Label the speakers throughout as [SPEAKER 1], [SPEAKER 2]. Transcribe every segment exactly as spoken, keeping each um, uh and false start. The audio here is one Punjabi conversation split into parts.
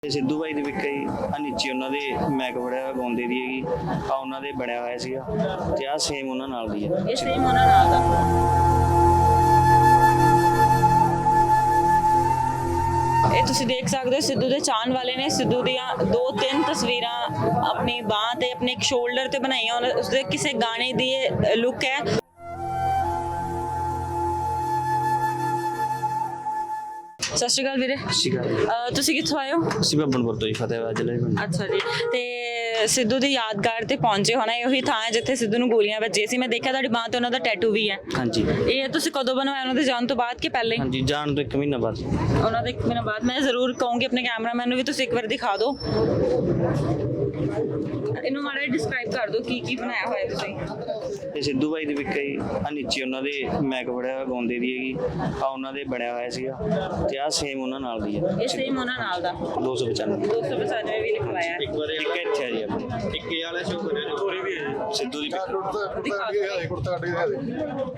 [SPEAKER 1] ਸਿੱਧੂ ਬਾਈ ਦੇ ਵਿਕੇ ਆ ਨੀਚੇ ਉਹਨਾਂ ਦੇ ਮੈਕ ਬੜਿਆ ਗਾਉਂਦੇ ਦੀ ਹੈਗੀ ਆ ਉਹਨਾਂ ਦੇ ਬਣਿਆ ਹੋਇਆ ਸੀਗਾ ਤੇ ਆ ਸੇਮ ਉਹਨਾਂ ਨਾਲ ਦੀ ਆ।
[SPEAKER 2] ਇਹ ਸੇਮ ਉਹਨਾਂ ਨਾਲ ਦਾ ਇਹ ਤੁਸੀਂ ਦੇਖ ਸਕਦੇ ਹੋ ਸਿੱਧੂ ਦੇ ਚਾਹਣ ਵਾਲੇ ਨੇ ਸਿੱਧੂ ਦੀਆਂ ਦੋ ਤਿੰਨ ਤਸਵੀਰਾਂ ਆਪਣੀ ਬਾਂਹ ਤੇ ਆਪਣੇ ਇੱਕ ਸ਼ੋਲਡਰ ਤੇ ਬਣਾਈਆਂ ਉਹਨਾਂ ਉਸਦੇ ਕਿਸੇ ਗਾਣੇ ਦੀ ਇਹ ਲੁੱਕ ਹੈ। ਸਤਿ ਸ਼੍ਰੀ ਅਕਾਲ ਵੀਰੇ।
[SPEAKER 1] ਸਤਿ ਸ਼੍ਰੀ ਅਕਾਲ।
[SPEAKER 2] ਅਹ ਤੁਸੀਂ ਕਿੱਥੋਂ ਆਏ ਹੋ?
[SPEAKER 1] ਅਸੀਂ ਬੱਬਨਪੁਰ ਤੋਂ ਹੀ ਫਤਿਹਵਾਦ ਜ਼ਿਲ੍ਹੇ ਦੇ।
[SPEAKER 2] ਅੱਛਾ ਜੀ। ਤੇ ਸਿੱਧੂ ਦੀ ਯਾਦਗਾਰ ਤੇ ਪਹੁੰਚੇ ਹੋਣਾ ਇਹ ਉਹੀ ਥਾਂ ਹੈ ਜਿੱਥੇ ਸਿੱਧੂ ਨੂੰ ਗੋਲੀਆਂ ਵੱਜੀਆਂ ਸੀ। ਮੈਂ ਦੇਖਿਆ ਤੁਹਾਡੀ ਬਾਂਹ ਤੇ ਉਹਨਾਂ ਦਾ ਟੈਟੂ ਵੀ ਹੈ।
[SPEAKER 1] ਹਾਂਜੀ।
[SPEAKER 2] ਇਹ ਤੁਸੀਂ ਕਦੋਂ ਬਣਵਾਇਆ ਉਹਨਾਂ ਦੇ ਜਾਣ ਤੋਂ ਬਾਅਦ ਕਿ ਪਹਿਲੇ?
[SPEAKER 1] ਹਾਂਜੀ, ਜਾਣ ਤੋਂ ਇੱਕ ਮਹੀਨਾ ਬਾਅਦ।
[SPEAKER 2] ਉਹਨਾਂ ਦੇ ਇੱਕ ਮਹੀਨਾ ਬਾਅਦ। ਮੈਂ ਜ਼ਰੂਰ ਕਹੂੰਗੀ ਆਪਣੇ ਕੈਮਰਾਮੈਨ ਨੂੰ ਵੀ ਤੁਸੀਂ ਇੱਕ ਵਾਰ ਦਿਖਾ ਦਿਓ। ਇਹਨੂੰ ਮਾੜਾ ਜਿਹਾ ਡਿਸਕ੍ਰਾਈਬ ਕਰ ਦਿਓ ਕੀ ਕੀ ਬਣਾਇਆ ਹੋਇਆ ਤੁਸੀਂ।
[SPEAKER 1] ਇਹ ਸਿੱਧੂ ਬਾਈ ਦੇ ਵਿਕੇ ਆ ਨੀਚੇ ਉਹਨਾਂ ਦੇ ਮੈਕ ਬੜਿਆ ਗਾਉਂਦੇ ਦੀ ਹੈਗੀ ਆ ਉਹਨਾਂ ਦੇ ਬਣਿਆ ਹੋਇਆ ਸੀਗਾ ਤੇ ਆ ਸੇਮ ਉਹਨਾਂ ਨਾਲ ਦੀ ਆ।
[SPEAKER 2] ਇਹ ਸੇਮ ਉਹਨਾਂ ਨਾਲ ਦਾ
[SPEAKER 1] ਦੋ ਸੌ ਪਚਾਨਵੇਂ
[SPEAKER 2] ਦੋ ਸੌ ਪਚਾਨਵੇਂ ਵੀ ਲਿਖਵਾਇਆ ਹੈ।
[SPEAKER 1] ਇੱਕ ਵਾਰ ਇੱਕ ਇੱਥੇ ਆ ਜੀ ਆਪਣੇ
[SPEAKER 3] ਇੱਕ ਇਹ ਵਾਲਾ ਸ਼ੋਅ ਕਰਿਆ ਜੋ ਵੀ ਹੈ
[SPEAKER 1] ਸਿੱਧੂ ਦੀ
[SPEAKER 2] ਦਿਖਾ ਦਿਓ।
[SPEAKER 3] ਕੁੜਤਾ ਕੱਢ ਕੇ ਦੇ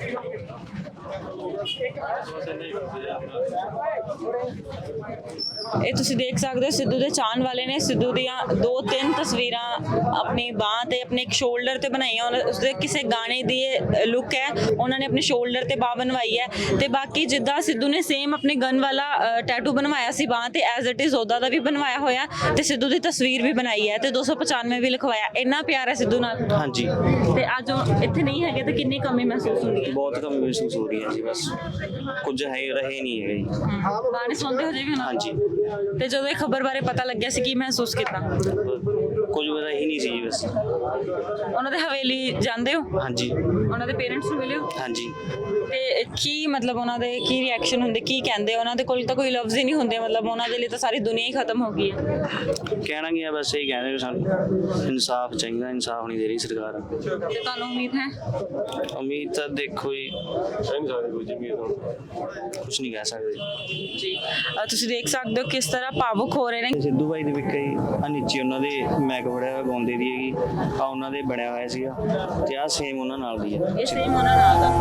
[SPEAKER 2] ਇਹ ਤੁਸੀਂ ਦੇਖ ਸਕਦੇ ਹੋ ਸਿੱਧੂ ਦੇ ਚਾਹਣ ਵਾਲੇ ਨੇ ਸਿੱਧੂ ਦੀਆਂ ਦੋ ਤਿੰਨ ਤਸਵੀਰਾਂ ਆਪਣੀ ਬਾਂਹ ਤੇ ਆਪਣੇ ਇੱਕ ਸ਼ੋਲਡਰ ਤੇ ਬਣਾਈਆਂ ਉਹਨਾਂ ਉਸਦੇ ਕਿਸੇ ਗਾਣੇ ਦੀ ਇਹ ਲੁੱਕ ਹੈ। ਉਹਨਾਂ ਨੇ ਆਪਣੇ ਸ਼ੋਲਡਰ ਤੇ ਬਾਂਹ ਬਣਵਾਈ ਹੈ ਤੇ ਬਾਕੀ ਜਿੱਦਾਂ ਸਿੱਧੂ ਨੇ ਸੇਮ ਆਪਣੇ ਗਨ ਵਾਲਾ ਟੈਟੂ ਬਣਵਾਇਆ ਸੀ ਬਾਂਹ ਤੇ ਐਜ਼ ਇਟ ਇਜ਼ ਉਹਦਾ ਦਾ ਵੀ ਬਣਵਾਇਆ ਹੋਇਆ ਤੇ ਸਿੱਧੂ ਦੀ ਤਸਵੀਰ ਵੀ ਬਣਾਈ ਹੈ ਤੇ ਦੋ ਸੌ ਪਚਾਨਵੇਂ ਵੀ ਲਿਖਵਾਇਆ। ਇੰਨਾ ਪਿਆਰ ਹੈ ਸਿੱਧੂ ਨਾਲ।
[SPEAKER 1] ਹਾਂਜੀ।
[SPEAKER 2] ਤੇ ਅੱਜ ਉਹ ਇੱਥੇ ਨਹੀਂ ਹੈਗੇ ਤਾਂ ਕਿੰਨੀ ਕਮੀ ਮਹਿਸੂਸ ਹੁੰਦੀ ਹੈ?
[SPEAKER 1] ਬਹੁਤ ਕਮੀ ਮਹਿਸੂਸ ਹੋ ਰਹੀ ਹੈ ਜੀ। ਬਸ ਕੁਝ ਹੈ ਰਹੇ ਨਹੀਂ ਹੈਗਾ ਜੀ।
[SPEAKER 2] ਗਾਣੇ ਸੁਣਦੇ ਹੋ ਜੀ ਵੀ?
[SPEAKER 1] ਹਾਂਜੀ।
[SPEAKER 2] ਤੇ ਜਦੋਂ ਇਹ ਖਬਰ ਬਾਰੇ ਪਤਾ ਲੱਗਿਆ ਸੀ ਕੀ ਮਹਿਸੂਸ ਕੀਤਾ?
[SPEAKER 1] ਕੁਝ ਪਤਾ ਹੀ ਨਹੀਂ ਸੀ ਜੀ ਬਸ।
[SPEAKER 2] ਉਹਨਾਂ ਦੇ ਹਵੇਲੀ ਜਾਂਦੇ ਹੋ?
[SPEAKER 1] ਹਾਂਜੀ।
[SPEAKER 2] ਉਹਨਾਂ ਦੇ ਪੇਰੈਂਟਸ ਨੂੰ ਮਿਲੇ ਹੋ?
[SPEAKER 1] ਹਾਂਜੀ।
[SPEAKER 2] ਤੇ ਕੀ ਮਤਲਬ ਉਹਨਾਂ ਦੇ ਕੀ ਰਿਐਕਸ਼ਨ ਹੁੰਦੇ ਕੀ ਕਹਿੰਦੇ? ਉਹਨਾਂ ਦੇ ਕੋਲ ਤਾਂ ਕੋਈ ਲਫ਼ਜ਼ ਹੀ ਨਹੀਂ ਹੁੰਦੇ। ਮਤਲਬ ਉਹਨਾਂ ਦੇ ਲਈ ਤਾਂ ਸਾਰੀ ਦੁਨੀਆ ਹੀ ਖਤਮ ਹੋ ਗਈ ਹੈ।
[SPEAKER 1] ਕਹਿਣਾ ਕੀ ਹੈ ਬਸ ਇਹੀ ਕਹਿੰਦੇ ਵੀ ਸਾਨੂੰ ਇਨਸਾਫ ਚਾਹੀਦਾ। ਇਨਸਾਫ ਨਹੀਂ ਦੇ ਰਹੀ ਸਰਕਾਰ।
[SPEAKER 2] ਤੇ ਤੁਹਾਨੂੰ ਉਮੀਦ ਹੈ?
[SPEAKER 1] ਉਮੀਦ ਤਾਂ ਦੇਖੋ ਜੀ
[SPEAKER 3] ਨਹੀਂ ਸਕਦੇ ਕੁਝ ਵੀ
[SPEAKER 1] ਕੁਝ ਨਹੀਂ ਕਹਿ ਸਕਦੇ
[SPEAKER 2] ਜੀ। ਅਹ ਤੁਸੀਂ ਦੇਖ ਸਕਦੇ ਹੋ ਕਿਸ ਤਰ੍ਹਾਂ ਭਾਵੁਕ ਹੋ ਰਹੇ ਨੇ।
[SPEAKER 1] ਸਿੱਧੂ ਬਾਈ ਦੇ ਵਿਕੇ ਆ ਨੀਚੇ ਉਹਨਾਂ ਦੇ ਮੈਕ ਬੜਿਆ ਗਾਉਂਦੇ ਦੀ ਹੈਗੀ ਆ ਉਹਨਾਂ ਦੇ ਬਣਿਆ ਹੋਇਆ ਸੀਗਾ ਤੇ ਆ ਸੇਮ ਉਹਨਾਂ ਨਾਲ ਦੀ ਆ।
[SPEAKER 2] ਇਹ ਸੇਮ ਉਹਨਾਂ ਨਾਲ ਦਾ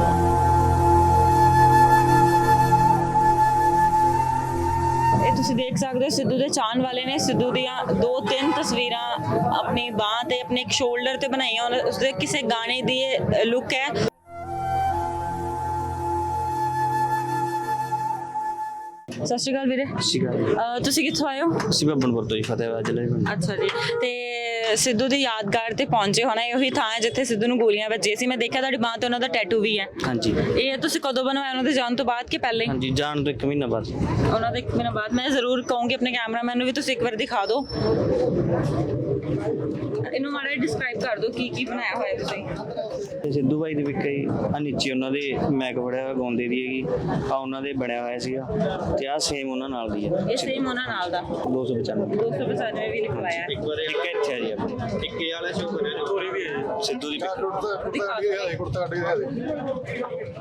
[SPEAKER 2] ਇਹ ਤੁਸੀਂ ਦੇਖ ਸਕਦੇ ਹੋ ਸਿੱਧੂ ਦੇ ਚਾਹਣ ਵਾਲੇ ਨੇ ਸਿੱਧੂ ਦੀਆਂ ਦੋ ਤਿੰਨ ਤਸਵੀਰਾਂ ਆਪਣੀ ਬਾਂਹ ਤੇ ਆਪਣੇ ਇੱਕ ਸ਼ੋਲਡਰ ਤੇ ਬਣਾਈਆਂ ਉਹਨਾਂ ਉਸਦੇ ਕਿਸੇ ਗਾਣੇ ਦੀ ਇਹ ਲੁੱਕ ਹੈ। ਸਤਿ ਸ਼੍ਰੀ ਅਕਾਲ ਵੀਰੇ।
[SPEAKER 1] ਸਤਿ ਸ਼੍ਰੀ ਅਕਾਲ।
[SPEAKER 2] ਅਹ ਤੁਸੀਂ ਕਿੱਥੋਂ ਆਏ ਹੋ?
[SPEAKER 1] ਅਸੀਂ ਬੱਬਨਪੁਰ ਤੋਂ ਹੀ ਫਤਿਹਵਾਦ ਜ਼ਿਲ੍ਹੇ ਦੇ।
[SPEAKER 2] ਅੱਛਾ ਜੀ। ਤੇ ਸਿੱਧੂ ਦੀ ਯਾਦਗਾਰ ਤੇ ਪਹੁੰਚੇ ਹੋਣਾ ਇਹ ਉਹੀ ਥਾਂ ਹੈ ਜਿੱਥੇ ਸਿੱਧੂ ਨੂੰ ਗੋਲੀਆਂ ਵੱਜੀਆਂ ਸੀ। ਮੈਂ ਦੇਖਿਆ ਤੁਹਾਡੀ ਬਾਂਹ ਤੇ ਉਹਨਾਂ ਦਾ ਟੈਟੂ ਵੀ ਹੈ।
[SPEAKER 1] ਹਾਂਜੀ।
[SPEAKER 2] ਇਹ ਤੁਸੀਂ ਕਦੋਂ ਬਣਵਾਇਆ ਉਹਨਾਂ ਦੇ ਜਾਣ ਤੋਂ ਬਾਅਦ ਕਿ ਪਹਿਲੇ?
[SPEAKER 1] ਹਾਂਜੀ, ਜਾਣ ਤੋਂ ਇੱਕ ਮਹੀਨਾ ਬਾਅਦ।
[SPEAKER 2] ਉਹਨਾਂ ਦੇ ਇੱਕ ਮਹੀਨਾ ਬਾਅਦ। ਮੈਂ ਜ਼ਰੂਰ ਕਹੂੰਗੀ ਆਪਣੇ ਕੈਮਰਾਮੈਨ ਨੂੰ ਵੀ ਤੁਸੀਂ ਇੱਕ ਵਾਰ ਦਿਖਾ ਦਿਓ। ਇਹਨੂੰ ਮਾੜਾ ਜਿਹਾ ਡਿਸਕ੍ਰਾਈਬ ਕਰ ਦਿਓ ਕੀ ਕੀ ਬਣਾਇਆ ਹੋਇਆ ਤੁਸੀਂ।
[SPEAKER 1] ਇਹ ਸਿੱਧੂ ਬਾਈ ਦੇ ਵਿਕੇ ਆ ਨੀਚੇ ਉਹਨਾਂ ਦੇ ਮੈਕ ਬੜਿਆ ਗਾਉਂਦੇ ਦੀ ਹੈਗੀ ਆ ਉਹਨਾਂ ਦੇ ਬਣਿਆ ਹੋਇਆ ਸੀਗਾ ਤੇ ਆ ਸੇਮ ਉਹਨਾਂ ਨਾਲ ਦੀ ਆ।
[SPEAKER 2] ਇਹ ਸੇਮ ਉਹਨਾਂ ਨਾਲ ਦਾ
[SPEAKER 1] ਦੋ ਸੌ ਪਚਾਨਵੇਂ
[SPEAKER 2] ਦੋ ਸੌ ਪਚਾਨਵੇਂ ਵੀ ਲਿਖਵਾਇਆ ਹੈ।
[SPEAKER 3] ਇੱਕ ਵਾਰ
[SPEAKER 1] ਇੱਕ ਇੱਥੇ ਆ ਜੀ ਆਪਣੇ
[SPEAKER 3] ਇੱਕ ਇਹ ਵਾਲਾ ਸ਼ੋਅ ਕਰਿਆ ਜੋ ਵੀ ਹੈ
[SPEAKER 1] ਸਿੱਧੂ ਦੀ
[SPEAKER 3] ਕੁੜਤਾ ਕੁੜਤਾ ਕੱਢ ਕੇ ਦੇ ਕੁੜਤਾ ਕੱਢ ਕੇ ਦੇ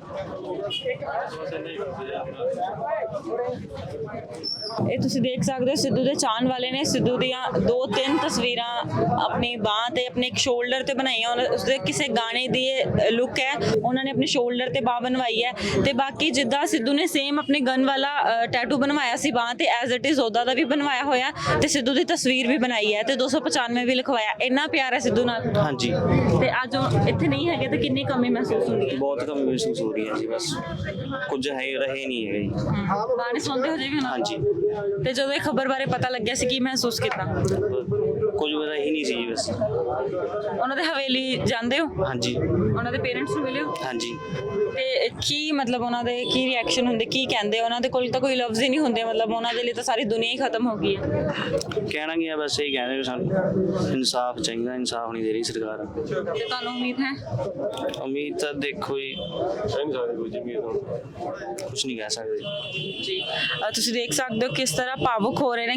[SPEAKER 2] ਇਹ ਤੁਸੀਂ ਦੇਖ ਸਕਦੇ ਹੋ ਸਿੱਧੂ ਦੇ ਚਾਹਣ ਵਾਲੇ ਨੇ ਸਿੱਧੂ ਦੀਆਂ ਦੋ ਤਿੰਨ ਤਸਵੀਰਾਂ ਆਪਣੀ ਬਾਂਹ ਤੇ ਆਪਣੇ ਇੱਕ ਸ਼ੋਲਡਰ ਤੇ ਬਣਾਈਆਂ ਉਹਨਾਂ ਉਸਦੇ ਕਿਸੇ ਗਾਣੇ ਦੀ ਇਹ ਲੁੱਕ ਹੈ। ਉਹਨਾਂ ਨੇ ਆਪਣੇ ਸ਼ੋਲਡਰ ਤੇ ਬਾਂਹ ਬਣਵਾਈ ਹੈ ਤੇ ਬਾਕੀ ਜਿੱਦਾਂ ਸਿੱਧੂ ਨੇ ਸੇਮ ਆਪਣੇ ਗਨ ਵਾਲਾ ਟੈਟੂ ਬਣਵਾਇਆ ਸੀ ਬਾਂਹ ਤੇ ਐਜ਼ ਇਟ ਇਜ਼ ਉਹਦਾ ਦਾ ਵੀ ਬਣਵਾਇਆ ਹੋਇਆ ਤੇ ਸਿੱਧੂ ਦੀ ਤਸਵੀਰ ਵੀ ਬਣਾਈ ਹੈ ਤੇ ਦੋ ਸੌ ਪਚਾਨਵੇਂ ਵੀ ਲਿਖਵਾਇਆ। ਇੰਨਾ ਪਿਆਰ ਹੈ ਸਿੱਧੂ ਨਾਲ।
[SPEAKER 1] ਹਾਂਜੀ।
[SPEAKER 2] ਤੇ ਅੱਜ ਉਹ ਇੱਥੇ ਨਹੀਂ ਹੈਗੇ ਤਾਂ ਕਿੰਨੀ ਕਮੀ ਮਹਿਸੂਸ ਹੁੰਦੀ ਹੈ?
[SPEAKER 1] ਬਹੁਤ ਕਮੀ ਮਹਿਸੂਸ ਹੋ ਰਹੀ ਹੈ ਜੀ। ਬਸ ਕੁਝ ਹੈ ਰਹੇ ਨਹੀਂ ਹੈਗਾ ਜੀ।
[SPEAKER 2] ਗਾਣੇ ਸੁਣਦੇ ਹੋ ਜੀ ਵੀ?
[SPEAKER 1] ਹਾਂਜੀ।
[SPEAKER 2] ਤੇ ਜਦੋਂ ਇਹ ਖਬਰ ਬਾਰੇ ਪਤਾ ਲੱਗਿਆ ਸੀ ਕੀ ਮਹਿਸੂਸ ਕੀਤਾ?
[SPEAKER 1] ਕੁਝ ਪਤਾ ਹੀ ਨਹੀਂ ਸੀ ਜੀ ਬਸ।
[SPEAKER 2] ਉਹਨਾਂ ਦੇ ਹਵੇਲੀ ਜਾਂਦੇ ਹੋ?
[SPEAKER 1] ਹਾਂਜੀ।
[SPEAKER 2] ਉਹਨਾਂ ਦੇ ਪੇਰੈਂਟਸ ਨੂੰ ਮਿਲੇ ਹੋ?
[SPEAKER 1] ਹਾਂਜੀ।
[SPEAKER 2] ਤੇ ਕੀ ਮਤਲਬ ਉਹਨਾਂ ਦੇ ਕੀ ਰਿਐਕਸ਼ਨ ਹੁੰਦੇ ਕੀ ਕਹਿੰਦੇ? ਉਹਨਾਂ ਦੇ ਕੋਲ ਤਾਂ ਕੋਈ ਲਫ਼ਜ਼ ਹੀ ਨਹੀਂ ਹੁੰਦੇ। ਮਤਲਬ ਉਹਨਾਂ ਦੇ ਲਈ ਤਾਂ ਸਾਰੀ ਦੁਨੀਆ ਹੀ ਖਤਮ ਹੋ ਗਈ ਹੈ।
[SPEAKER 1] ਕਹਿਣਾ ਕੀ ਹੈ ਬਸ ਇਹੀ ਕਹਿੰਦੇ ਵੀ ਸਾਨੂੰ ਇਨਸਾਫ ਚਾਹੀਦਾ। ਇਨਸਾਫ ਨਹੀਂ ਦੇ ਰਹੀ ਸਰਕਾਰ।
[SPEAKER 2] ਤੇ ਤੁਹਾਨੂੰ ਉਮੀਦ ਹੈ?
[SPEAKER 1] ਉਮੀਦ ਤਾਂ ਦੇਖੋ ਜੀ
[SPEAKER 3] ਨਹੀਂ ਸਕਦੇ ਕੁਝ ਵੀ
[SPEAKER 1] ਕੁਝ ਨਹੀਂ ਕਹਿ ਸਕਦੇ
[SPEAKER 2] ਜੀ। ਅਹ ਤੁਸੀਂ ਦੇਖ ਸਕਦੇ ਹੋ ਕਿਸ ਤਰ੍ਹਾਂ ਭਾਵੁਕ ਹੋ ਰਹੇ ਨੇ।